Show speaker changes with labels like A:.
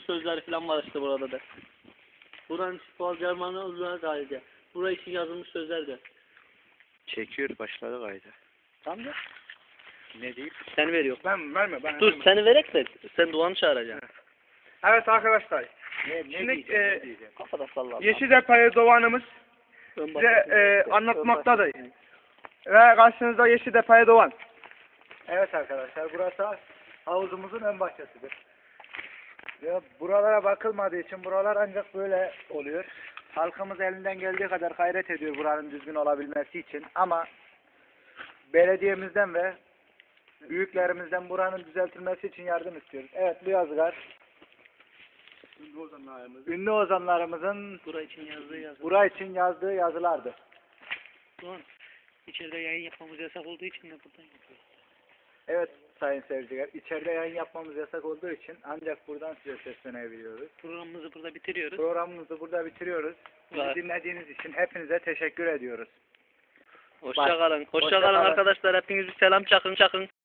A: sözleri falan var işte burada da. Buranın Boğaz Germanı uzun kaydı. Buraya için yazılmış sözler de.
B: Çekiyor başladı kaydı.
A: Tamam da.
B: Ne diyeyim?
A: Seni veriyor.
C: Ben verme.
A: Dur seni verek de sen Doğan'ı çağıracaksın.
C: Evet arkadaşlar.
B: Ne
C: Şimdi
B: diyeceğim?
A: Kafada salla.
C: Yeşiltepe Doğan'ımız size anlatmaktadır. Ve karşınızda Yeşiltepe Doğan. Evet arkadaşlar, burası havuzumuzun ön bahçesidir. Ve buralara bakılmadığı için buralar ancak böyle oluyor. Halkımız elinden geldiği kadar gayret ediyor buranın düzgün olabilmesi için, ama belediyemizden ve büyüklerimizden buranın düzeltilmesi için yardım istiyoruz. Evet, bu yazılar ünlü ozanlarımızın bura için yazdığı yazılardı.
A: Doğan, içeride yayın yapmamız yasak olduğu için de buradan yapıyoruz.
C: Evet sayın seyirciler, içeride yayın yapmamız yasak olduğu için ancak buradan size seslenebiliyoruz.
A: Programımızı burada bitiriyoruz.
C: Programımızı burada bitiriyoruz. Bizi dinlediğiniz için hepinize teşekkür ediyoruz.
A: Hoşça kalın. Hoşça kalın arkadaşlar. Hepiniz bir selam çakın.